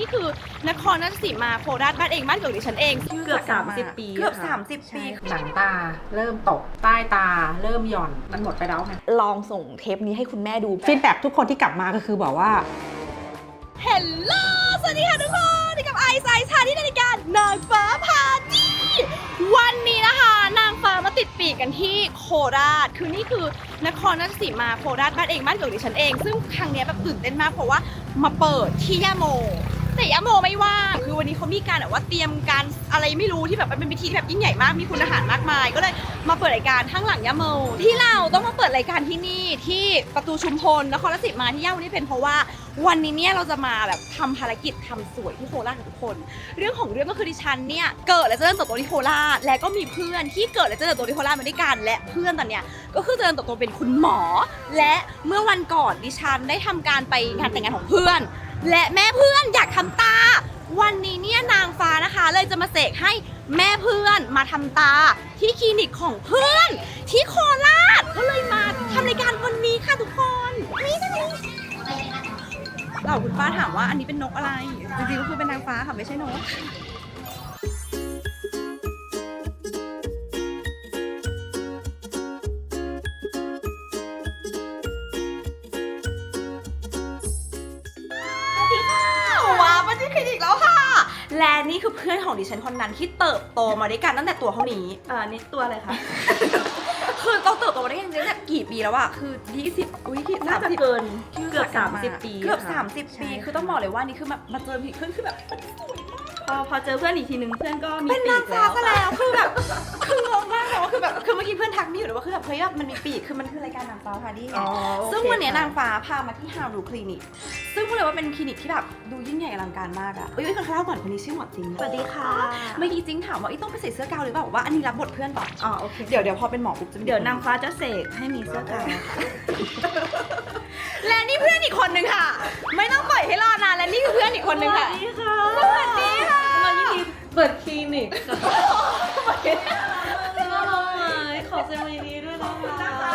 คือนครราชสีมาโคราชบ้านเองบ้านเกิดดิฉันเองเกือบ30 ปีเกือบค่ะ 30 ปีหนังตาเริ่มตกใต้ตาเริ่มหย่อนมันหมดไปแล้วไงลองส่งเทปนี้ให้คุณแม่ดูฟีดแบ็กทุกคนที่กลับมาก็คือบอกว่าเฮลโลสวัสดีค่ะทุกคนนี่กับไอซ์ชาที่ในรายการนางฟ้าพาจี้วันนี้นะคะนางฟ้ามาติดปีกกันที่โคราชคือนี่คือนครราชสีมาโคราชบ้านเองบ้านเกิดดิฉันเองซึ่งครั้งนี้แบบตื่นเต้นมากเพราะว่ามาเปิดที่ย่าโมแต่ย่าโมไม่ว่างคือวันนี้เขามีการแบบว่าเตรียมการอะไรไม่รู้ที่แบบเป็นพิธีที่แบบยิ่งใหญ่มากมีคุณอาหารมากมายก็เลยมาเปิดรายการข้างหลังย่าโมที่เราต้องมาเปิดรายการที่นี่ที่ประตูชุมพลนครราชสีมาที่ย่าโมนี่เป็นเพราะว่าวันนี้เนี่ยเราจะมาแบบทำภารกิจทำสวยที่โคราชกับทุกคนเรื่องของเรื่องก็คือดิฉันเนี่ยเกิดและเจริญเติบโตที่โคราชและก็มีเพื่อนที่เกิดและเจริญเติบโตที่โคราชมาด้วยกันและเพื่อนตอนเนี้ยก็คือเจริญเติบโตเป็นคุณหมอและเมื่อวันก่อนดิฉันได้ทำการไปงานแต่งงานของเพื่อนและแม่เพื่อนอยากทำตาวันนี้เนี่ยนางฟ้านะคะเลยจะมาเสกให้แม่เพื่อนมาทำตาที่คลินิกของเพื่อนที่โคราชก็เลยมาทำรายการวันนี้ค่ะทุกคนเราคุณป้าถามว่าอันนี้เป็นนกอะไรจริงๆก็คือเป็นนางฟ้าค่ะไม่ใช่นกว้าวมาที่คลินิกแล้วค่ะและนี่คือเพื่อนของดิฉันคนนั้นที่เติบโตมาด้วยกันตั้งแต่ตัวเท่านี้นี่ตัวอะไรคะคือเราเติบโตมาด้วยกันจริงๆเนี่ยกี่ปีแล้วอะคือ20อุ้ยน่าจะเกินเกือบ30 ปีเกือบค่ะ 30 ปีคือต้องบอกเลยว่านี่คือมาเจอผีขึ้นคือแบบมันสวยมากพอเจอเพื่อนอีกทีนึงเพื่อนก็มีเป็นปีนางกฟ้าแล้วซะแล้วคือแบบคืองงมากเลยว่าคือแบบคือเมื่อกี้เพื่อนทักมี่อยู่เลยว่าคือแบบเฮ้ยแบบมันมีปีกคือมันคือรายการนางฟ้าพาดี้ไงซึ่งวันนี้นางฟ้าพามาที่ฮาวดูคลินิกซึ่งพูดเลยว่าเป็นคลินิกที่แบบดูยิ่งใหญ่อลังการมากอะคนข้างล่างก่อนคนนี้ชื่อหมอจริงสวัสดีค่ะเมื่อกี้จริงถามว่าต้องไปใส่เสื้อกาวหรือเปล่าบอกว่าอันนี้รับบทเพื่อนก่อนโอเคเดี๋ยวพอเป็นหมอปุ๊บจะเดี๋ยวนางฟ้าจะเสกให้มีเสื้อกาวและนี่เพื่อนอีกคนนึงค่ะ ไม่ต้องปล่อยให้รอนานและนี่คือเพื่อนอีกคนนึงค่ะสวัสดีค่ะสวัสดีค่ะมายินดีเปิดคลินิกขอแสดงความยินดีด้วยนะคะ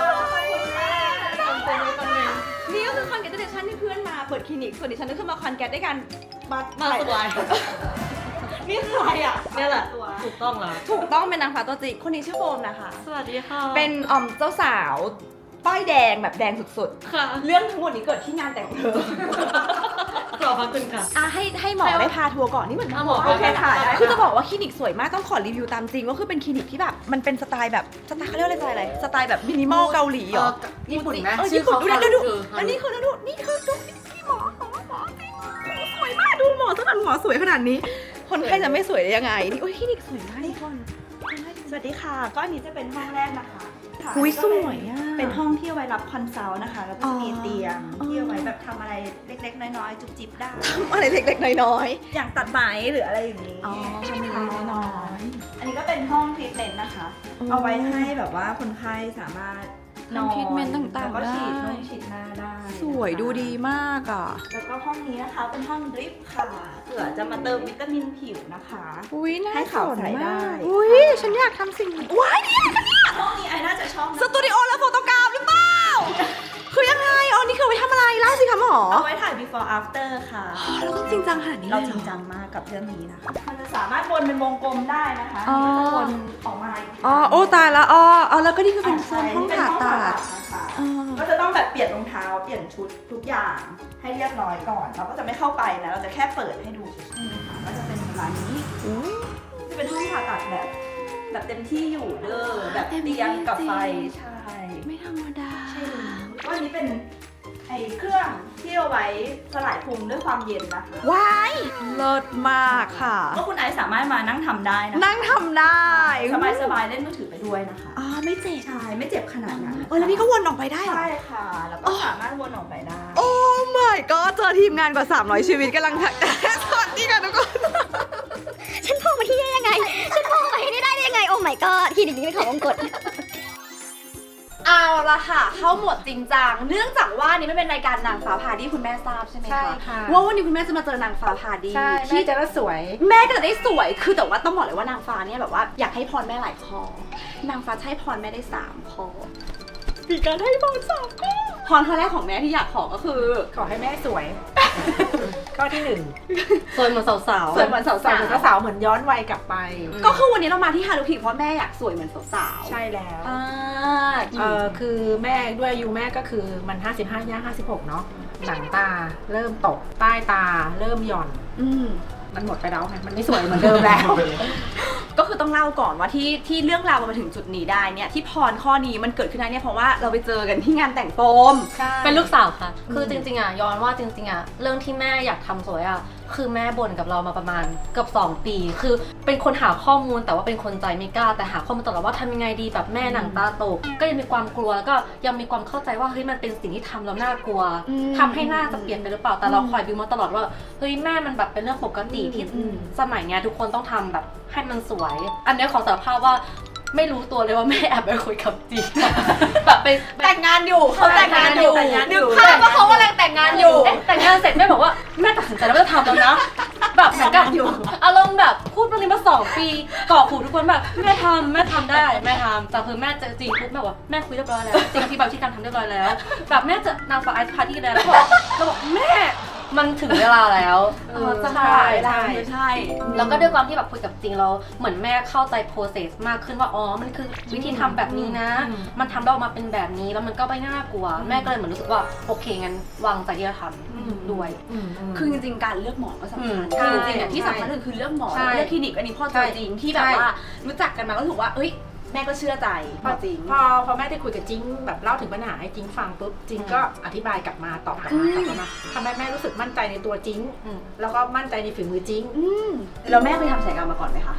นี่ก็คือคอนแกรตเดชั่นที่เพื่อนมาเปิดคลินิกส่วนดิฉันก็คือมาคอนแกรตด้วยกันมาสบายนี่คืออะไรอ่ะเนี่ยแหละถูกต้องแล้วถูกต้องเป็นนางฟ้าตัวจริงคนนี้ชื่อโฟมนะคะสวัสดีค่ะเป็นเจ้าสาวป้ายแดงแบบแดงสุดค่ะๆเรื่องทั้งหมดนี้เกิดที่งานแต่งเธอขอบพระคุณค่ะให้หมอได้พาทัวร์ก่อนนี่เหมือนหมอโอเคค่ะได้คือจะบอกว่าคลินิกสวยมากต้องขอรีวิวตามจริงว่าคือเป็นคลินิกที่แบบมันเป็นสไตล์แบบสไตล์เขาเรียกว่าอะไรสไตล์แบบมินิมอลเกาหลีเหรอญี่ปุ่นไหมญี่ปุ่นดูดูคืออันนี้คือดูนี่คือดูนี่หมอจริงสวยมากดูหมอตั้งแต่หมอสวยขนาดนี้ คนไข้จะไม่สวยได้ยังไงนี่โอ้ยคลินิกสวยมากทุกคนสวัสดีค่ะก็อันนี้จะเป็นห้องแรกนะคะอุ้ยสวยอ่ะเป็นห้องที่เอาไว้รับคอนซัลท์นะคะ แล้วก็จะมีเตียงอ๋อที่เอาไว้แบบทำอะไรเล็กๆ น้อยๆ จุบจิบได้อะไรเล็กๆน้อยอย่างตัดไหมหรืออะไรอย่างนี้ๆอ๋อทำเล็กๆน้อยอันนี้ก็เป็นห้องทรีทเมนต์นะคะอ๋อเอาไว้ให้แบบว่าคนไข้สามารถนอนทำทรีทเมนต์ต่างๆแล้วก็ฉีดได้นุ่งฉีดหน้าได้ๆสวยดูดีมากอ่ะแล้วก็ห้องนี้นะคะเป็นห้องดริปค่ะเผื่อจะมาเติมวิตามินผิวนะคะอุ้ยน่าให้ขาวสนใสได้มากอุ้ยฉันอยากทำสิ่งนี้ว้ายเนี่ยห้องนี้ไอน่าจะชอบนะสตูดิโอและโฟโตกราฟหรือเปล่า คือยังไงอ๋อนี่คือเอาไว้ทำอะไรเล่าสิคะหมอเอาไว้ถ่าย before after ค่ะเราต้องจริงจังขนาดนี้เราเลยจเหริงรอจังมากกับเรื่องนี้นะคะมันจะสามารถวนเป็นวงกลมได้นะคะอ๋อนี่ก็จะวนออกมาอีกทีอ๋อโอ้ตายแล้วอ๋อแล้วก็นี่คือเป็นโซนห้องผ่าตัดนะคะอ๋อก็จะต้องแบบเปลี่ยนรองเท้าเปลี่ยนชุดทุกอย่างให้เรียบร้อยก่อน เราก็จะไม่เข้าไปนะเราจะแค่เปิดให้ดูเฉยๆค่ะก็จะเป็นประมาณนี้จะเป็นห้องผ่าตัดแบบเต็มที่อยู่เด้อแบบเตียงกับไฟใช่ไม่ธรรมดาใช่เลยก็อันนี้เป็นไอ้เครื่องที่เอาไว้สลายพุงด้วยความเย็นนะคะว้ายเลิศมากค่ะก็คุณไอซ์สามารถมานั่งทำได้นะคะนั่งทำได้สบายๆเล่นมือถือไปด้วยนะคะอ๋อไม่เจ็บใช่ไม่เจ็บขนาดนั้นแล้วนี่ก็วนออกไปได้เหรอใช่ค่ะ แล้วก็สามารถวนออกไปได้โอ้ my god เจอทีมงานกว่า 300 ชีวิตกำลังสวัสดีค่ะทุกคนฉันโผล่มาที่นี่ได้ยังไง ฉันโผล่มาที่นี่ได้ยังไง โอ้ my god คลินิกนี้เป็นของวงกตเอาละค่ะ เข้าหมวดจริงจังเนื่องจากว่านี่ไม่เป็นรายการนางฟ้าพาดี้คุณแม่ทราบใช่ไหมใช่คะค่ะว่าวันนี้คุณแม่จะมาเจอนางฟ้าพาดี้ใช่ที่ที่จะได้สวยแม่ก็จะได้สวยคือแต่ว่าต้องบอกเลยว่านางฟ้าเนี่ยแบบว่าอยากให้พรแม่หลายข้อนางฟ้าจะให้พรแม่ได้3 ข้อมีการให้พร3 ข้อพรข้อแรกของแม่ที่อยากขอก็คือขอให้แม่สวย ข้อที่หนึ่งสวยเหมือนสาวๆสวยเหมือนสาวสาวเหมือนสาวเหมือนย้อนวัยกลับไปก็คือวันนี้เรามาที่ฮารุพีเพราะแม่อยากสวยเหมือนสาวๆใช่แล้วคือแม่ด้วยอายุแม่ก็คือมัน55ย่าง56เนาะหนังตาเริ่มตกใต้ตาเริ่มหย่อน มันหมดไปแล้วไงมันไม่สวยเหมือนเดิมแล้วก็คือต้องเล่าก่อนว่าที่เรื่องราวมันมาถึงจุดนี้ได้เนี่ยที่พรข้อนี้มันเกิดขึ้นได้เนี่ยเพราะว่าเราไปเจอกันที่งานแต่งโฟมเป็นลูกสาวค่ะ คือจริงๆย้อนว่าจริงๆเรื่องที่แม่อยากทำสวยคือแม่บ่นกับเรามาประมาณเกือบ2 ปี คือเป็นคนหาข้อมูลแต่ว่าเป็นคนใจไม่กล้าแต่หาข้อมูลตลอดว่าทำยังไงดีแบบแม่หนังตาตกก็ยังมีความกลัวแล้วก็ยังมีความเข้าใจว่าเฮ้ยมันเป็นสิ่งที่ทำแล้วน่ากลัวทำให้หน้าจะเปลี่ยนไปหรือเปล่าแต่เราคอยบิวมาตลอดว่าเฮ้ยแม่มันแบบเป็นเรื่องปกติที่สมัยเนี้ยทุกคนต้องทำแบบให้มันสวย อันนี้ขอสารภาพว่าไม่รู้ตัวเลยว่าแม่แอบไปคุยกับจีแบบไปแต่งงานอยู่เขาแต่งงานอยู่แต่งงานอยู่นึกภาพว่าเขากำลังแต่งงานอยู่แต่งงานเสร็จแม่บอกว่าแม่ตัดสินใจแล้วว่าจะทำแล้วนะแบบเหมือนกับอารมณ์แบบพูดเรื่องนี้มา2 ปีก่อขู่ทุกคนแบบแม่ทำได้แม่ทำแต่คือแม่เจอจริงปุ๊บแม่บอกว่าแม่คุยเรียบร้อยแล้วจริงที่แบบที่การทำเรียบร้อยแล้วแบบแม่จะนางฟ้าไอซ์พาร์ตี้แล้วเราบอกแม่มันถึงเวลาแล้วใช่แล้วก็ด้วยความที่แบบคุยกับจริงเราเหมือนแม่เข้าใจ process มากขึ้นว่าอ๋อมันคือวิธีทำแบบนี้นะ มันทำได้ออกมาเป็นแบบนี้แล้วมันก็ไม่น่ากลัวแม่ก็เลยเหมือนรู้สึกว่าโอเคงั้นวางใจที่จะทำด้วยคือจริงๆการเลือกหมอก็สำคัญใช่คือจริงๆเนี่ยที่สำคัญคือเลือกหมอใช่เลือกคลินิกอันนี้พ่อเจอจริงที่แบบว่ารู้จักกันมาก็ถือว่าเอ้ยแม่ก็เชื่อใจพอจริงพอแม่ได้คุยกับจิงแบบเล่าถึงปัญหาให้จิงฟังปุ๊บจิงก็อธิบายกลับมาตอบกลับมาทำให้แม่รู้สึกมั่นใจในตัวจิงแล้วก็มั่นใจในฝีมือจิงแล้วแม่เคยทำศัลยกรรมมาก่อนไหมคะ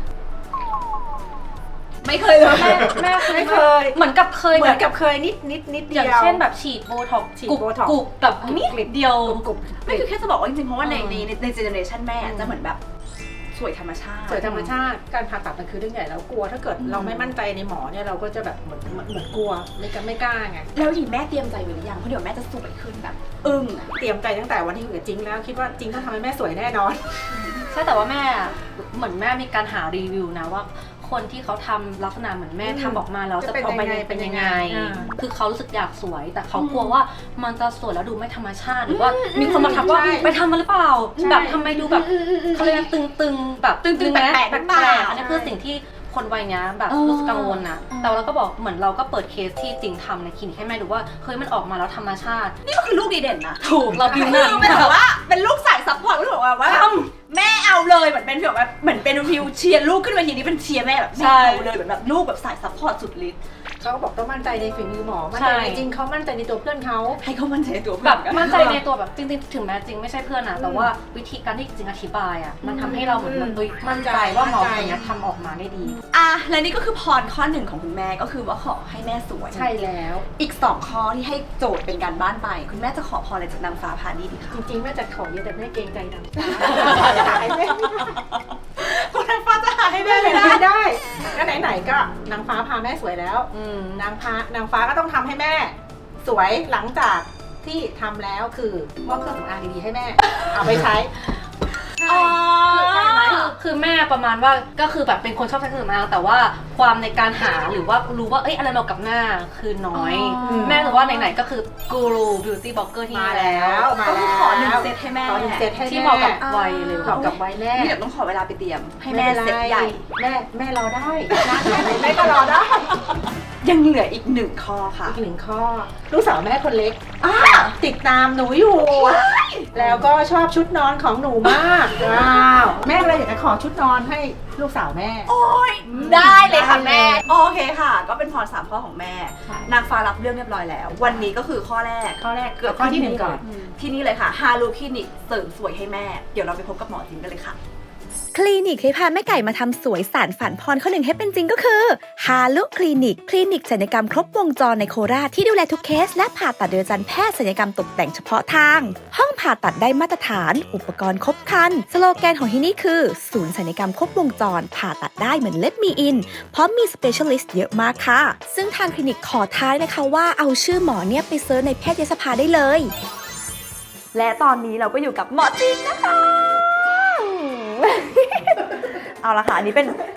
ไม่เคยเลยแม่ไม่เคยเหมือนกับเคยเหมืแบอนบกับเคยนิดเดีอย่ายวงเช่นแบบฉีดโบท็อกซ์ฉีดโบท็อกซ์กุบแบบนิดเดียวกรุบไม่คือแค่จะบอกว่าจริงๆเพราะว่าในเจเนอเรชันแม่จะเหมือนแบบสวยธรรมชาติสวยธรรมชาติการผ่าตัดมันคือเรื่องใหญ่แล้วกลัวถ้าเกิดเราไม่มั่นใจในหมอเนี่ยเราก็จะแบบเหมือนกลัวไม่กล้าไงแล้วทีแม่เตรียมใจไว้หรือยังเพราะเดี๋ยวแม่จะสวยขึ้นแบบอึ้งอะเตรียมใจตั้งแต่วันที่คุยกับจิงแล้วคิดว่าจิงต้องทำให้แม่สวยแน่นอนใช่แต่ว่าแม่เหมือนแม่มีการหารีวิวนะว่าคนที่เขาทำลักษณะเหมือนแม่ทำออกมาแล้วจะออกไปเป็นยังไงคือเขารู้สึกอยากสวยแต่เขากลัวว่ามันจะสวยแล้วดูไม่ธรรมชาติหรือว่ามีคนมาทักว่าไปทำมาหรือเปล่าแบบทำไมดูแบบเขาเรียกตึงๆแบบตึงๆแปลกๆอันนี้คือสิ่งที่คนวัยนี้แบบรู้สึกกังวลนะแต่เราก็บอกเหมือนเราก็เปิดเคสที่จริงทำในคลินิกให้แม่ดูว่าเฮ้ยมันออกมาแล้วธรรมชาตินี่ก็คือลูกดีเด่นนะถูกเราบิวหคืน้าอเป็นแบบว่าเป็นลูกสายซัพพอร์ตก็ถือว่าแม่เอาเลยเหมือนเป็นแบบเหมือนเป็นฟิวเชียร์ลูกขึ้นมาทีนี้เป็นเชียร์แม่แบบแม่เอาเลยเหมือนแบบลูกแบบสายซัพพอร์ตสุดฤทธิ์เขาก็บอกต้องมั่นใจในฝีมือหมอมั่นใจในจริงเขามั่นใจในตัวเพื่อนเขาให้เขามั่นใจในตัวแบเพื่อบ นมั่นใจในตัวแบบจริงๆถึงแม้จริงไม่ใช่เพื่อนนะแต่ว่าวิธีการที่จริงอธิบายอ่ะมันทำให้เราเหมือนแบบมั่นใจว่าหมอคนนี้ทำออกมาได้ดีอ่ะและนี่ก็คือพรข้อหนึ่งของคุณแม่ก็คือว่าขอให้แม่สวยใช่แล้วอีก2ข้อที่ให้โจทย์เป็นการบ้านไปคุณแม่จะขอพรอะไรจากนางฟ้าพาดีดีคะจริงๆแม่จะขอเยอะแต่แม่เกรงใจนางฟ้าหายแม่คุณนางฟ้าจะหาให้แม่ไม่ไม่ได้ได้ก็ไหนๆก็นางฟ้าพาแม่สวยแล้วนางฟ้าก็ต้องทำให้แม่ สวยหลังจากที่ทำแล้วคือมอบเครื่องสำอางดีๆให้แม่เอาไปใช้อ๋อคือแม่ประมาณว่าก็คือแบบเป็นคนชอบใช้เครื่องสำอางแต่ว่าความในการหาหรือว่ารู้ว่าเอ้ยอะไรเหมาะกับหน้าคือน้อย แม่รู้ว่าไหนๆก็คือกูรูบิวตี้บล็อกเกอร์ที่มานี่แล้แล้วมาก็คือแล้วขอ1 เซตให้แม่ขอ1 เซตให้แม่ที่เหมาะกับวัยเลยเหมาะกับวัยแม่นี่เดี๋ยวต้องขอเวลาไปเตรียมให้แม่เซตใหญ่แม่รอได้นะแม่ก็รอได้ยังเหลืออีก1 ข้อค่ะอีก1 ข้อลูกสาวแม่คนเล็กติดตามหนูอยู่ แล้วก็ชอบชุดนอนของหนูมากว้าวแม่เลยอยากจะขอชุดนอนให้ลูกสาวแม่โอ้ยได้เลยค่ะแม่ได้เลยโอเคค่ะ ก็เป็นพร3 ข้อของแม่ค่ะนางฟ้ารับเรื่องเรียบร้อยแล้ว วันนี้ก็คือข้อแรกข้อแรกเกิดข้อที่ขึ้ 1ก่อนที่นี่เลยค่ะฮารูคลินิกเสริมสวยให้แม่ เดี๋ยวเราไปพบกับหมอจิงกันเลยค่ะคลินิกที่พาแม่ไก่มาทำสวยสารฝันพรข้อหนึ่งให้เป็นจริงก็คือฮาลุคลินิก คลินิกศัลยกรรมครบวงจรในโคราชที่ดูแลทุกเคสและผ่าตัดโดยอาจารย์แพทย์ศัลยกรรมตกแต่งเฉพาะทาง ห้องผ่าตัดได้มาตรฐาน อุปกรณ์ครบครัน สโลแกนของที่นี่คือ ศูนย์ศัลยกรรมครบวงจร ผ่าตัดได้เหมือนเล็บมีอินเพราะมีสเปเชียลิสต์เยอะมากค่ะ ซึ่งทางคลินิกขอท้ายนะคะว่าเอาชื่อหมอเนี่ยไปเซิร์ชในแพทยสภาได้เลยและตอนนี้เราก็อยู่กับหมอจิงนะคะ เอาละค่ะอันนี้เป็น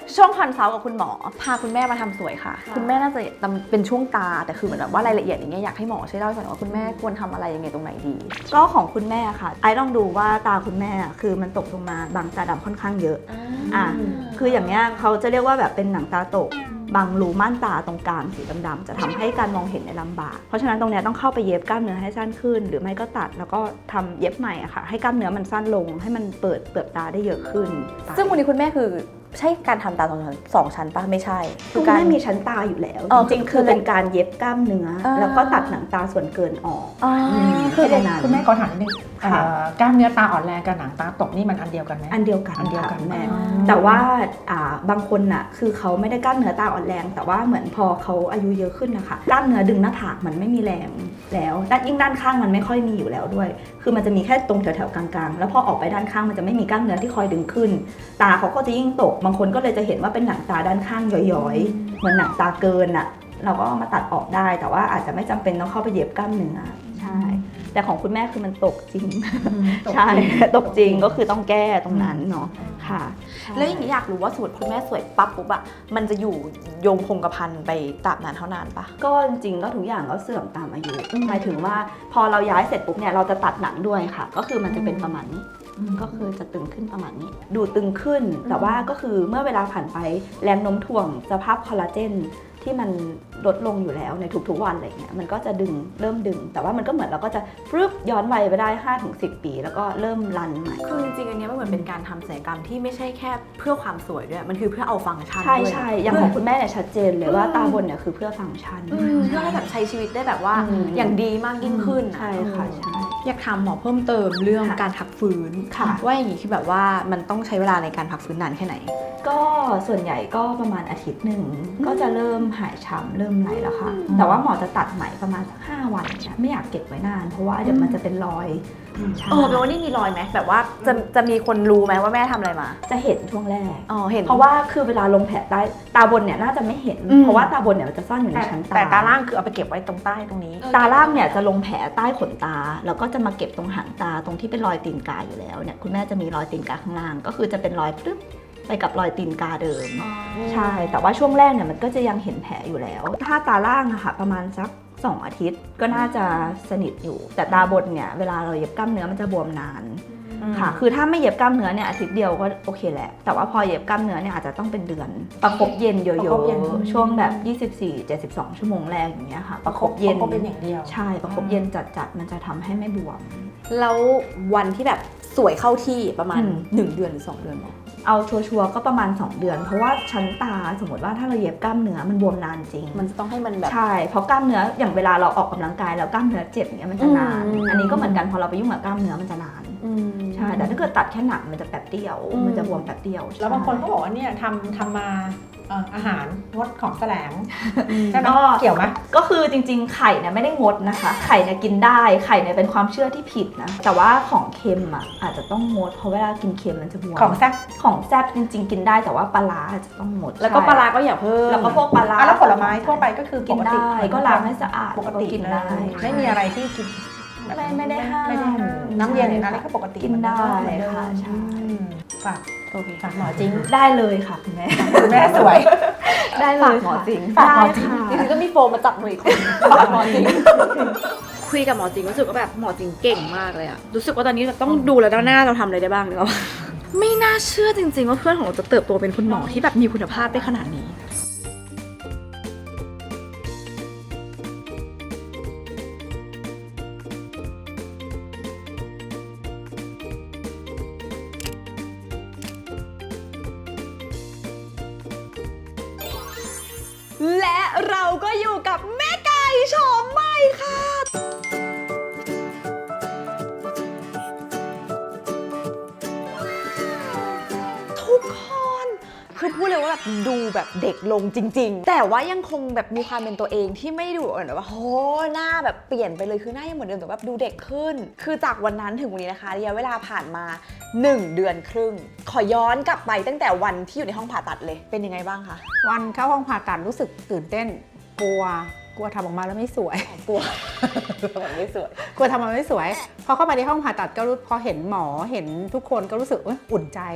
ช่วงคอนซัลท์กับคุณหมอพาคุณแม่มาทำสวยค่ะ คุณแม่น่าจะเป็นช่วงตาแต่คือเหมือนแบบว่ารายละเอียดอย่างเงี้ยอยากให้หมอช่วยเล่าให้ฟังหน่อยว่าคุณแม่ควรทำอะไรยังไงตรงไหนดีก็ของคุณแม่ค่ะไอ้ลองดูว่าตาคุณแม่คือมันตกลงมาบางตาดำค่อนข้างเยอะคืออย่างเงี้ยเขาจะเรียกว่าแบบเป็นหนังตาตกบางรูม่านตาตรงกลางสีดำๆจะทำให้การมองเห็นในลำบากเพราะฉะนั้นตรงเนี้ยต้องเข้าไปเย็บกล้ามเนื้อให้สั้นขึ้น หรือไม่ก็ตัดแล้วก็ทำเย็บใหม่อะค่ะให้กล้ามเนื้อมันสั้นลงให้มันเปิดเปลือกตาได้เยอะขึ้นซึ่งวันนี้คุณแม่คือใช่การทำตาสองชั้นปะไม่ใช่คุณแม่มีชั้นตาอยู่แล้ว จริงๆคือเป็นการเย็บกล้ามเนื้อแล้วก็ตัดหนังตาส่วนเกินออกคือแค่นั้นคุณแม่ขอถามนิดนึงค่ะกล้ามเนื้อตาอ่อนแรงกับหนังตาตกนี่มันอันเดียวกันไหมอันเดียวกันอันเดียวกันค่ะแม่แต่ว่าบางคนน่ะคือเขาไม่ได้กล้ามเนื้อตาอ่อนแรง แต่ว่าเหมือนพอเขาอายุเยอะขึ้นนะคะกล้ามเนื้อดึงหน้าผากมันไม่มีแรงแล้วยิ่งด้านข้างมันไม่ค่อยมีอยู่แล้วด้วย คือมันจะมีแค่ตรงแถวๆกลางๆแล้วพอออกไปด้านข้างมันจะไม่มีกล้ามเนื้อที่คอยดึงขึ้น ตาเขาก็จะยิ่งตกบางคนก็เลยจะเห็นว่าเป็นหนังตาด้านข้างย้อยๆเหมือนหนังตาเกินอ่ะเราก็เอามาตัดออกได้ แต่ว่าอาจจะไม่จำเป็นต้องเข้าไปเย็บกล้ามเนื้อใช่แต่ของคุณแม่คือมันตกจริงใช่ตกจริงก็คือต้องแก้ตรงนั้นเนาะค่ะแล้วอย่างนี้อยากรู้ว่าสูตรคุณแม่สวยปั๊บปุ๊บอะมันจะอยู่โยงคงกระพันไปตราบนานเท่านานปะก็จริงๆก็ทุกอย่างก็เสื่อมตามอายุหมายถึงว่าพอเราย้ายเสร็จปุ๊บเนี่ยเราจะตัดหนังด้วยค่ะ ก็คือมันจะเป็นประมาณนี้ก็คือจะตึงขึ้นประมาณนี้ ดูตึงขึ้น แต่ว่าก็คือเมื่อเวลาผ่านไปแรงโน้มถ่วงสภาพคอลลาเจนที่มันลดลงอยู่แล้วในทุกๆวันอะไรเงี้ยมันก็จะเริ่มดึง แต่ว่ามันก็เหมือนเราก็จะฟึบย้อนวัยไปได้ 5-10 ปีแล้วก็เริ่มรันใหม่คือจริงๆอันเนี้ยมันเหมือนเป็นการทำศัลยกรรมที่ไม่ใช่แค่เพื่อความสวยด้วยมันคือเพื่อเอาฟังก์ชันใช่ด้วยใช่อย่างของคุณแม่เนี่ยชัดเจนเลยว่าตาบนเนี่ยคือเพื่อฟังก์ชันเพื่อให้แบบใช้ชีวิตได้แบบว่าอย่างดีมากยิ่งขึ้นใช่ค่ะใช่อยากถามหมอเพิ่มเติมเรื่องค่ะการพักฟื้นค่ะว่าอย่างนี้คือแบบว่ามันต้องใช้เวลาในการพักฟื้นนานแค่ไหนก็ส่วนใหญ่ก็ประมาณอาทิตย์หนึ่งก็จะเริ่มหายช้ำเริ่มไหลแล้วค่ะ แต่ว่าหมอจะตัดไหมประมาณสัก5 วันเนี่ยไม่อยากเก็บไว้นาน เพราะว่าเดี๋ยวมันจะเป็นรอยใช่แปลว่านี่มีรอยไหมแบบว่าจะมีคนรู้ไหมว่าแม่ทำอะไรมาจะเห็นช่วงแรกเห็นเพราะว่าคือเวลาลงแผลใต้ตาบนเนี่ยน่าจะไม่เห็นอืมเพราะว่าตาบนเนี่ยมันจะซ่อนอยู่ในชั้นตาแต่ตาล่างคือเอาไปเก็บไว้ตรงใต้ตรงนี้ตาล่างเนี่ยจะลงแผลใต้ขนตา แล้วก็จะมาเก็บตรงหางตาตรงที่เป็นรอยตีนกาอยู่แล้วเนี่ยคุณแม่จะมีรอยตีนกาข้างล่างก็คือจะเป็นรอยปึ๊บไปกับรอยตีนกาเดิม ใช่ แต่ว่าช่วงแรกเนี่ยมันก็จะยังเห็นแผลอยู่แล้ว ถ้าตาล่างอะค่ะประมาณสัก2 อาทิตย์ก็น่าจะสนิทอยู่ แต่ตาบนเนี่ยเวลาเราเย็บกล้ามเนื้อมันจะบวมนานค่ะ คือถ้าไม่เย็บกล้ามเนื้อเนี่ยอาทิตย์เดียวก็โอเคแหละ แต่ว่าพอเย็บกล้ามเนื้อเนี่ยอาจจะต้องเป็นเดือน ประคบเย็นเยประคอะบเย็นๆช่วงแบบ 24-72 ชั่วโมงแรกอย่างเงี้ยค่ะ ประคบเย็นก็เป็นอย่างเดียวใช่ ประคบเย็นจัดๆ มันจะทำให้ไม่บวมแล้ววันที่แบบสวยเข้าที่ประมาณอืม 1 เดือนหรือ 2 เดือนหรอเอาชัวร์ๆก็ประมาณ 2 เดือน เพราะว่าชั้นตาสมมติว่าถ้าเราเย็บกล้ามเนื้อมันบวมนานจริงมันจะต้องให้มันแบบใช่ เพราะกล้ามเนื้ออย่างเวลาเราออกกำลังกายแล้วกล้ามเนื้อเจ็บเนี่ยมันจะนานอืมอันนี้ก็เหมือนกันพอเราไปยุ่งกับกล้ามเนื้อมันจะนาน ใช่ แต่ถ้าเกิดตัดแค่หนังมันจะแป๊บเดียว มันจะบวมแป๊บเดียวแล้วบางคนก็ใช่บอกว่าเนี่ยทำมาอาหารงดของแสลงใช่ไหมก็เกี่ยวไหมก็คือจริงๆ ไข่เนี่ยไม่ได้งดนะคะ ไข่เนี่ยกินได้ ไข่เนี่ยเป็นความเชื่อที่ผิดนะ แต่ว่าของเค็มอ่ะอาจจะต้องงด เพราะเวลากินเค็มมันจะบวมของแซ่บของแซ่บจริงๆ กินได้แต่ว่าปลาร้าอาจจะต้องงดแล้วก็ใช่ปลาร้าก็อย่าเพิ่มแล้วก็พวกปลาร้าแล้วผลไม้ทั่วไปก็คือกินได้ ก็ล้างให้สะอาดปกติกินได้ไม่มีอะไรที่กินไม่ได้ห้ามไม่ได้ห้ามน้ำเย็นอะไรก็ปกติกินได้เหมือนเดิมค่ะใช่ฝากโอเคฝากหมอจริงได้เลยค่ะคุณแม่คุณแม่สวยได้เลยหมอจริงฝากหมอจริงจริงๆก็มีโฟมมาจับมืออีกคนหมอจริงคุยกับหมอจริงรู้สึกว่าแบบหมอจริงเก่งมากเลยอะรู้สึกว่าตอนนี้เราต้องดูแล้วหน้าเราทำอะไรได้บ้างหรือเปล่าไม่น่าเชื่อจริงๆว่าเพื่อนของเราจะเติบโตเป็นคุณหมอที่แบบมีคุณภาพได้ขนาดนี้ และเราก็อยู่กับแม่ไก่โฉมใหม่ค่ะ ทุกคนคือพูดเลยว่าแบบดูแบบเด็กลงจริงๆ แต่ว่ายังคงแบบมีความเป็นตัวเองที่ไม่ดูแบบว่าโหหน้าแบบเปลี่ยนไปเลยคือหน้ายังเหมือนเดิมแต่แบบดูเด็กขึ้น คือจากวันนั้นถึงวันนี้นะคะระยะเวลาผ่านมา 1 เดือนครึ่ง ขอย้อนกลับไปตั้งแต่วันที่อยู่ในห้องผ่าตัดเลยเป็นยังไงบ้างคะวันเข้าห้องผ่าตัดรู้สึกตื่นเต้น กลัวทำออกมาแล้วไม่สวยกลัวแบบไม่สวยกลัวทำมาไม่สวย พอเข้ามาในห้องผ่าตัดก็รู้พอเห็นหมอเห็นทุกคนก็รู้สึกอุ่นใจ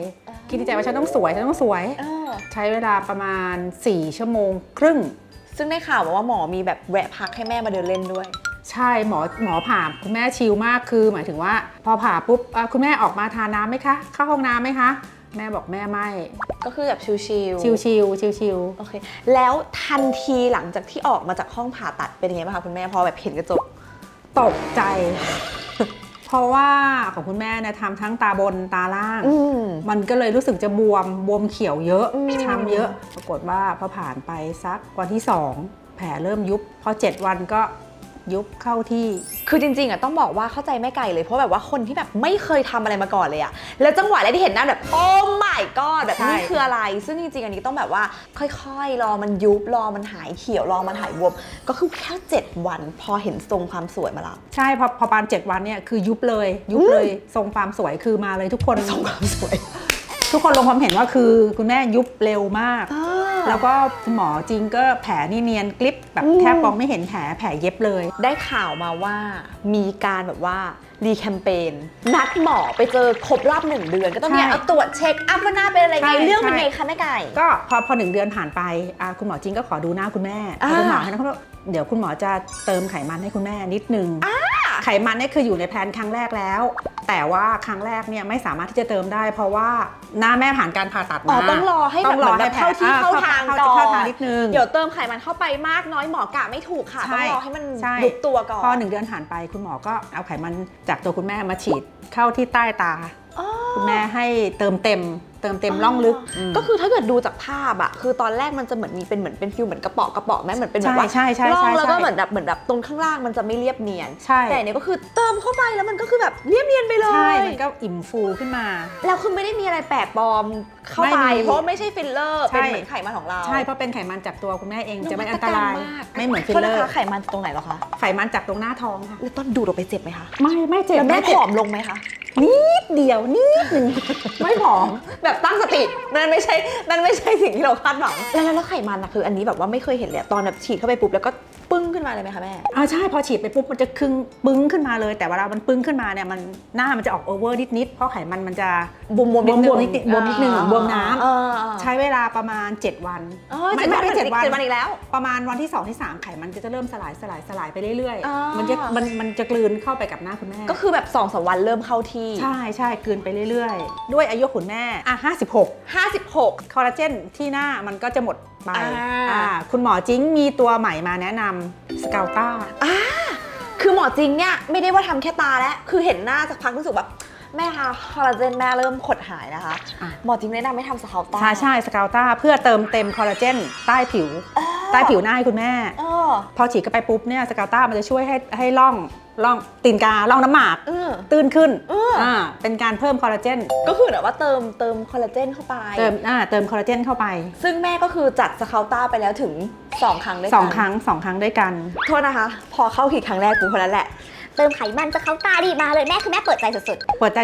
คิดในใจว่าฉันต้องสวยใช้เวลาประมาณ4 ชั่วโมงครึ่งซึ่งได้ข่าวมาว่าหมอมีแบบแวะพักให้แม่มาเดินเล่นด้วยใช่หมอผ่าคุณแม่ชิลมากคือหมายถึงว่าพอผ่าปุ๊บคุณแม่ออกมาทานน้ำไหมคะเข้าห้องน้ำไหมคะแม่บอกแม่ไม่ก็คือแบบชิลชิลโอเคแล้วทันทีหลังจากที่ออกมาจากห้องผ่าตัดเป็นยังไงบ้างคะคุณแม่พอแบบเห็นกระจกตกใจ เพราะว่าของคุณแม่เนี่ยทำทั้งตาบนตาล่าง มันก็เลยรู้สึกจะบวมเขียวเยอะช้ำเยอะปรากฏว่าพอผ่านไปสักวันที่2แผลเริ่มยุบพอ7 วันก็ยุบเข้าที่คือจริงๆอ่ะต้องบอกว่าเข้าใจแม่ไก่เลยเพราะแบบว่าคนที่แบบไม่เคยทำอะไรมาก่อนเลยอ่ะแล้วจังหวะแรกที่เห็นหน้าแบบโอ้ my god แบบนี่คืออะไรซึ่งจริงๆอันนี้ต้องแบบว่าค่อยๆรอมันยุบรอมันหายเขียวรอมันหายบวมก็คือแค่7 วันพอเห็นทรงความสวยมาแล้วใช่พอประมาณ7 วันเนี่ยคือยุบเลยทรงความสวยคือมาเลยทุกคนทรงความสวย ทุกคนลงความเห็นว่าคือคุณแม่ยุบเร็วมากแล้วก็คุณหมอจริงก็แผลนี่เนียนกลิปแบบแทบมองไม่เห็นแผลเย็บเลยได้ข่าวมาว่ามีการแบบว่ารีแคมเปญนัดหมอไปเจอครบรอบ1 เดือนก็ต้องเนี่ยเอาตรวจเช็คอัพว่าหน้าเป็นอะไรไงเรื่องเป็นไงคะแม่ไก่ก็พอ1 เดือนผ่านไปคุณหมอจริงก็ขอดูหน้าคุณแม่คุณหมอให้นะเดี๋ยวคุณหมอจะเติมไขมันให้คุณแม่นิดนึงไขมันเนี่ยคืออยู่ในแพลนครั้งแรกแล้ว แต่ว่าครั้งแรกเนี่ยไม่สามารถที่จะเติมได้ เพราะว่าหน้าแม่ผ่านการผ่าตัดมาต้องรอให้แบบเข้าที่เข้าทางก่อนเข้าทางนิดนึงเดี๋ยวเติมไขมันเข้าไปมากน้อยหมอกะไม่ถูกค่ะต้องรอให้มันยุบตัวก่อนพอ1 เดือนผ่านไปคุณหมอก็เอาไขมันจากตัวคุณแม่มาฉีดเข้าที่ใต้ตาคุณแม่ให้เติมเต็มร่องลึกก็คือถ้าเกิดดูจากภาพอะคือตอนแรกมันจะเหมือนมีเป็นเหมือนเป็นฟิลเหมือนกระเปาะแม่เหมือนเป็นแบบว่าร่องแล้วก็เหมือนแบบตรงข้างล่างมันจะไม่เรียบเนียนแต่เนี่ยก็คือเติมเข้าไปแล้วมันก็คือแบบเรียบเนียนไปเลยใช่มันก็อิ่มฟูขึ้นมาแล้วคือไม่ได้มีอะไรแปลกปลอมเข้าไปเพราะไม่ใช่ฟิลเลอร์เป็นเหมือนไขมันของเราใช่เพราะเป็นไขมันจากตัวคุณแม่เองจะไม่อันตรายไม่เหมือนฟิลเลอร์ไขมันตรงไหนหรอคะไขมันจากตรงหน้าท้องค่ะแล้วตอนดูดออกไปเจ็บไหมคะไม่เจ็บแล้วแม่ผอมลงไหมคะนิดเดียวนิดนึงไม่ผอมแบบตั้งสตินั่นไม่ใช่สิ่งที่เราคาดหวังแล้วไขมันนะคืออันนี้แบบว่าไม่เคยเห็นเลยตอนแบบฉีดเข้าไปปุ๊บแล้วก็ปึ้งขึ้นมาเลยไหมคะแม่ใช่พอฉีดไปปุ๊บมันจะปึ้งขึ้นมาเลยแต่เวลามันปึ้งขึ้นมาเนี่ยมันหน้ามันจะออกโอเวอร์นิดเพราะไขมันจะบวมนิดนึงบวมน้ำใช้เวลาประมาณ7 วันไม่7 วันอีกแล้วประมาณวันที่2 ที่ 3ไขมันจะเริ่มสลายไปเรื่อยๆมันจะกลืนเข้าไปกับหน้าคุณแม่ก็คือแบบ2-3 วันเริ่มเข้าที่ใช่กลืนไปเรื่อยๆด้วยอายุคุณแม่56คอลลาเจนที่หน้ามันก็จะหมดไปคุณหมอจิ้งมีตัวใหม่มาแนะนำสกาลต้าคือหมอจิ้งเนี่ยไม่ได้ว่าทำแค่ตาแล้วคือเห็นหน้าสักพักรู้สึกแบบแม่คะคอลลาเจนแม่เริ่มขดหายนะคะหมอจิ้งแนะนำให้ทำสกาลต้าใช่สกาลต้าเพื่อเติมเต็มคอลลาเจนใต้ผิวหน้าให้คุณแม่พอฉีดเข้าไปปุ๊บเนี่ยสกาลต้ามันจะช่วยให้ร่องตีนการ่องน้ำหมากตื้นขึ้นเป็นการเพิ่มคอลลาเจนก็คือแบบว่าเติมคอลลาเจนเข้าไปเติมคอลลาเจนเข้าไปซึ่งแม่ก็คือจัดสกาลต้าไปแล้วถึง2 ครั้งด้วยกัน 2 ครั้งด้วยกันโทษนะคะพอเข้าขีดครั้งแรกปุ๊บคนนั้นแหละเติมไขมันจะเข้าตาดีมาเลยแม่คือแม่เปิดใจสุด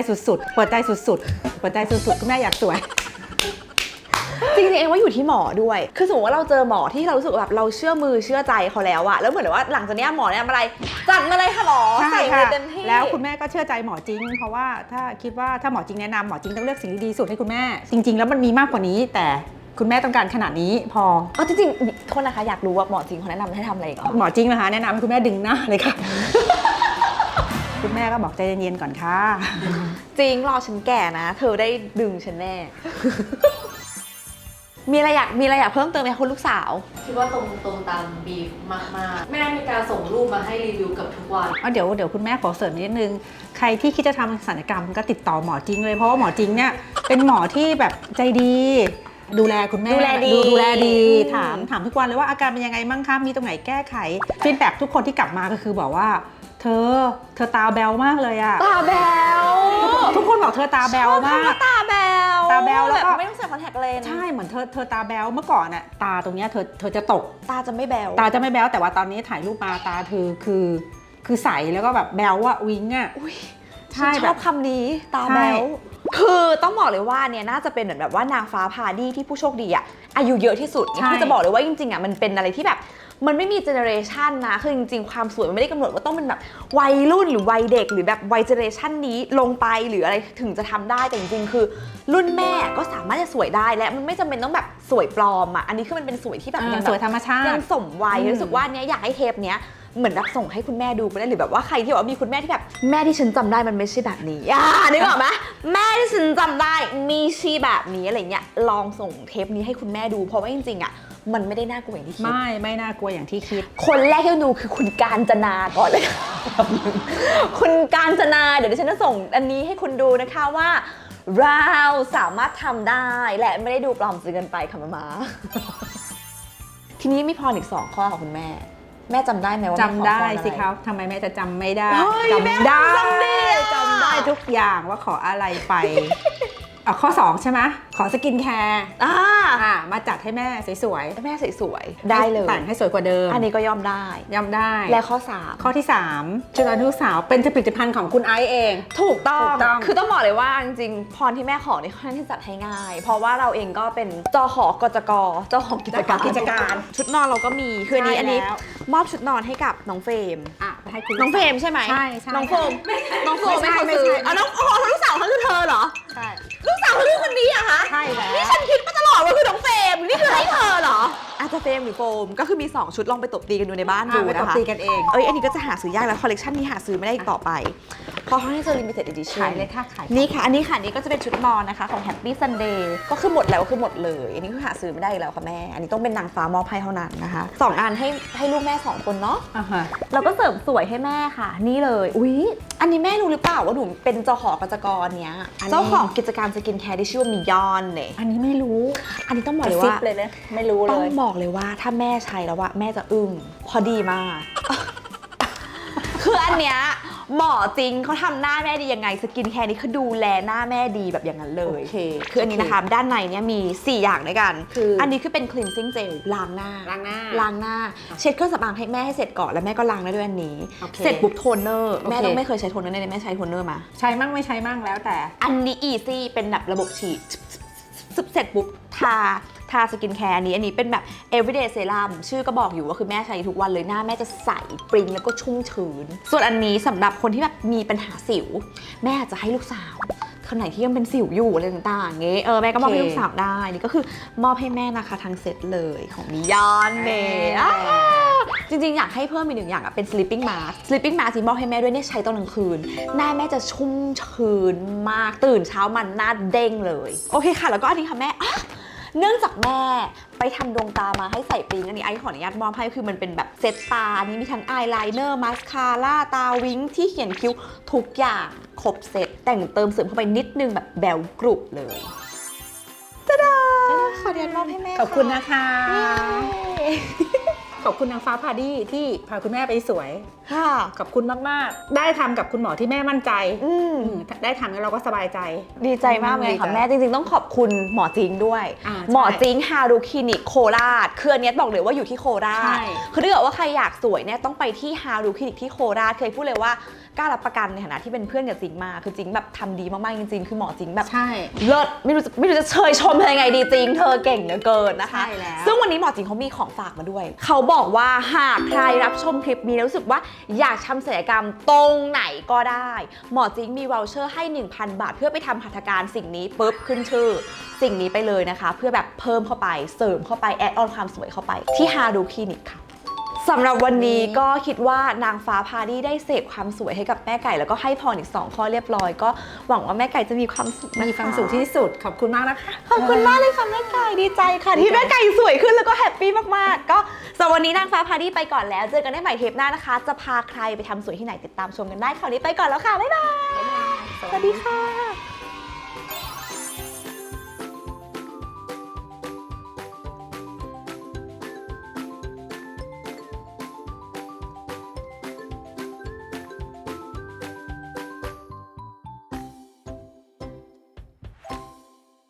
คุณแม่อยากสวยจริงๆเองว่าอยู่ที่หมอด้วยคือสมมติว่าเราเจอหมอที่เรารู้สึกแบบเราเชื่อมือเชื่อใจเขาแล้วอะแล้วเหมือนว่าหลังจากนี้หมอเนี่ยอะไรจัดมาเลยค่ะหมอใส่เต็มที่แล้วคุณแม่ก็เชื่อใจหมอจริงเพราะว่าถ้าคิดว่าถ้าหมอจริงแนะนำหมอจริงต้องเลือกสิ่งที่ดีสุดให้คุณแม่จริงๆแล้วมันมีมากกว่านี้แต่คุณแม่ต้องการขนาดนี้พอจริงๆโทษนะคะอยากรู้ว่าหมอจริงเขาแนะนำให้ทำอะไรก่อนหมอจริงนะคะแนะนำให้คุณแม่ดึงหน้าเลยค่ะ คุณแม่ก็บอกใจเย็นๆก่อนค่ะจริงรอฉันแก่นะเธอได้ดึงฉันแน่ มีอะไรอยากเพิ่มเติมไหมคุณลูกสาวคิดว่าตรงตามบีฟมากๆแม่มีการส่งรูปมาให้รีวิวกับทุกวันเดี๋ยวคุณแม่ขอเสริมนิดนึงใครที่คิดจะทำศัลยกรรมก็ติดต่อหมอจริงเลยเพราะว่าหมอจริงเนี่ยเป็นหมอที่แบบใจดีดูแลคุณแม่ดูแลดีถามทุกวันเลยว่าอาการเป็นยังไงมั่งคะมีตรงไหนแก้ไขฟีดแบ็กทุกคนที่กลับมาก็คือบอกว่าเธอตาแบวมากเลยอะตาแบวทุกคนบอกเธอตาแบวมากตาแบวแล้วก็ไม่ต้องใส่คอนแทคเลนส์ใช่เหมือนเธอตาแบวเมื่อก่อนอะตาตรงเนี้ยเธอจะตกตาจะไม่แบวแต่ว่าตอนนี้ถ่ายรูปมาตาเธอคือใสแล้วก็แบบแบวอะวิงอะใช่ชอบคำนี้ตาแบวคือต้องบอกเลยว่าเนี่ยน่าจะเป็นเหมือนแบบว่านางฟ้าพาดี้ที่ผู้โชคดีอะอายุเยอะที่สุดคือจะบอกเลยว่าจริงๆอะมันเป็นอะไรที่แบบมันไม่มีเจเนอเรชันนะคือจริงๆความสวยมันไม่ได้กำหนดว่าต้องเป็นแบบวัยรุ่นหรือวัยเด็กหรือแบบวัยเจเนอเรชันนี้ลงไปหรืออะไรถึงจะทำได้แต่จริงๆคือรุ่นแม่ก็สามารถจะสวยได้และมันไม่จำเป็นต้องแบบสวยปลอมอ่ะอันนี้คือมันเป็นสวยที่แบบยังสวยธรรมชาติยังสมวัยรู้สึกว่าเนี้ยอยากให้เทปเนี้ยเหมือนแบบส่งให้คุณแม่ดูไปได้หรือแบบว่าใครที่แบบว่ามีคุณแม่ที่แบบแม่ที่ฉันจำได้มันไม่ใช่แบบนี้นึกออกไหมแม่ที่ฉันจำได้มีชีแบบนี้อะไรเงี้ยลองส่งเทปนี้ให้คุณแม่ดูเพราะว่าจริงๆอ่ะมันไม่ได้น่ากลัวอย่างที่คิดไม่น่ากลัวอย่างที่คิดคนแรกที่ดูคือคุณกาญจนาก่อนเลย คุณกาญจนาเดี๋ยวดิฉันจะส่งอันนี้ให้คุณดูนะคะว่าเราสามารถทำได้และไม่ได้ดูปลอมจนเกินไปค่ะมา ทีนี้มีพรอีก2 ข้อค่ะคุณแม่แม่จำได้ไหมว่าจำได้แม่ขอพรอะไรสิคะทำไมแม่จะจำไม่ได้เฮ้ยแม่จำได้จำได้อะจำได้ทุกอย่างว่าขออะไรไป ข้อ 2 ใช่ไหมขอสกินแคร์มาจัดให้แม่สวยแม่สวยๆๆได้เลยแต่งให้สวยกว่าเดิมอันนี้ก็ยอมได้ย่ำได้และข้อข้อที่ 3 ชุดอนุสาวเป็นผลิตภัณฑ์ของคุณไอซ์เอง 3ถูกต้องถูกต้องคือต้องบอกเลยว่าจริงๆพรที่แม่ขอนี่ค่อนข้างที่จัดให้ง่าย เพราะว่าเราเองก็เป็นจหกจกเจ้าของกิจการ ชุดนอนเราก็มีคืออันนี้แล้วมอบชุดนอนให้กับน้องเฟรมไปให้คุณน้องเฟรมใช่ไหมใช่น้องโฟมน้องโฟมไม่ไม่ใช่เขาซื้อไม่ใช่น้องลูกสาวเขาคือเธอเหรอใช่ลูกสาวเขาคือคนนี้อะคะใช่แล้วนี่ฉันคิดมาตลอดว่าคือน้องเฟรมนี่คือให้เธอเหรออาจจะเฟรมหรือโฟมก็คือมี2ชุดลองไปตบตีกันดูในบ้านดูไปตนะบคะตีกันเองอันนี้ก็จะหาซื้อยากแล้วคอลเลกชันนี้หาซื้อไม่ได้อีกต่อไปเพราะเขาให้เจอ limited edition ขายเลยค่ะขายนี่ค่ะอันนี้ค่ะนี่ก็จะเป็นชุดนอนนะคะของ Happy Sunday ก็คือหมดแล้วก็คือหมดเลยอันนี้คือหาซื้อไม่ได้อีกแล้วค่ะแม่อันนี้ต้องเป็นนางฟ้ามอบให้เท่านั้นนะคะ2 อันให้ลูกแม่2 คนเนาะ เราก็เสริมสวยให้แม่ค่ะนี่เลยอุ๊ยอันนี้แม่รู้หรือเปล่าว่าหนูเป็นเจ้าของกิจการเนี้ยเจ้าของกิจการสกินแคร์ที่ชื่อว่ามิยอนเนี่ยอันนี้ไม่รู้อันนี้ต้องบอกเลยว่าเลยนะไม่รู้เลต้องยบอกเลยว่าถ้าแม่ใช้แล้วว่าแม่จะอึ้งพอดีมาก คืออันเนี้ยหมอจริงเขาทำหน้าแม่ดียังไงสกินแคร์นี่คือดูแลหน้าแม่ดีแบบอย่างนั้นเลยโอเคคืออันนี้นะคะด้านในเนี้ยมี4 อย่างด้วยกันคืออันนี้คือเป็น cleansing gel ล้างหน้าล้างหน้าล้างหน้าเช็ดเครื่องสำอางให้แม่ให้เสร็จก่อนแล้วแม่ก็ล้างได้ด้วยอันนี้โอเคเสร็จปุ๊บโทนเนอร์แม่โอเคต้องไม่เคยใช้โทนเนอร์เลยแม่ใช้โทนเนอร์มาใช้มั่งไม่ใช้มั่งแล้วแต่อันนี้ easy เป็นแบบระบบฉีดเสร็จปุ๊บทาสกินแคร์อันนี้เป็นแบบ everyday serum ชื่อก็บอกอยู่ว่าคือแม่ใช้ทุกวันเลยหน้าแม่จะใสปริงแล้วก็ชุ่มชื้นส่วนอันนี้สำหรับคนที่แบบมีปัญหาสิวแม่อาจจะให้ลูกสาวคนไหนที่ยังเป็นสิวอยู่อะไรต่างๆเงี้แม่ก็มอบให้ลูกสาวได้นี่ก็คือมอบให้แม่นะคะทั้งเซตเลยของมิยอนเน่จริงๆอยากให้เพิ่มอีก1 อย่างเป็น sleeping mask sleeping mask ที่มอบให้แม่ด้วยเนี่ยใช้ตอนกลางคืนหน้าแม่จะชุ่มชื้นมากตื่นเช้ามันหน้าเด้งเลยโอเคค่ะแล้วก็อันนี้ค่ะแม่เนื่องจากแม่ไปทำดวงตามาให้ใส่ปริงอันนี้ไอ้ขออนุญาตมอบให้คือมันเป็นแบบเซตตาอันนี้มีทั้งอายไลเนอร์มาสคาร่าตาวิงที่เขียนคิ้วทุกอย่างครบเซตแต่งเติมเสริมเข้าไปนิดนึงแบบแบวกรุบเลยตาดาขออนุญาตมอบให้แม่ขอบคุณนะคะ ขอบคุณนางฟ้าพาดี้ที่พาคุณแม่ไปสวยค่ะขอบคุณมากๆ ได้ทำกับคุณหมอที่แม่มั่นใจได้ทำแล้วเราก็สบายใจดีใจมากเลยค่ะดีใจแม่จริงๆต้องขอบคุณหมอจริงด้วยใช่หมอจริงฮารุคลินิกโคราชคืออันเนี้ยบอกเลยว่าอยู่ที่โคราใช่ชคือถ้าเกิดว่าใครอยากสวยเนี่ยต้องไปที่ฮารุคลินิกที่โคราชเคยพูดเลยว่ากล้ารับประกันในฐานะที่เป็นเพื่อนกับจริงมาคือจริงแบบทำดีมากๆจริงๆคือหมอจริงแบบใช่เลิศไม่รู้จะเชยชมเธอยังไงดีจริงเธอเก่งเหลือเกินนะคะใช่แล้วซึ่งวันนี้หมอจริงเขามีของฝากมาด้วยเขาบอกว่าหากใครรับชมคลิปนี้แล้วรู้สึกว่าอยากทำศัลยกรรมตรงไหนก็ได้หมอจริงมีวอลเชอร์ให้ 1,000 บาทเพื่อไปทำหัตถการสิ่งนี้ปุ๊บขึ้นชื่อสิ่งนี้ไปเลยนะคะเพื่อแบบเพิ่มเข้าไปเสริมเข้าไปแอดออนความสวยเข้าไปที่ฮารุคลินิกค่ะสำหรับวันนี้ก็คิดว่านางฟ้าพาดี้ได้เสพความสวยให้กับแม่ไก่แล้วก็ให้พรอีก2 ข้อเรียบร้อยก็หวังว่าแม่ไก่จะมีความสุขนะคะมีความสุขที่สุดขอบคุณมากนะคะขอบคุณมากเลยค่ะแม่ไก่ดีใจค่ะที่แม่ไก่สวยขึ้นแล้วก็แฮปปี้มากๆก็สำหรับวันนี้นางฟ้าพาดี้ไปก่อนแล้วเจอกันได้ใหม่เทปหน้านะคะจะพาใครไปทำสวยที่ไหนติดตามชมกันได้คราวนี้ไปก่อนแล้วค่ะบ๊ายบายสวัสดีค่ะ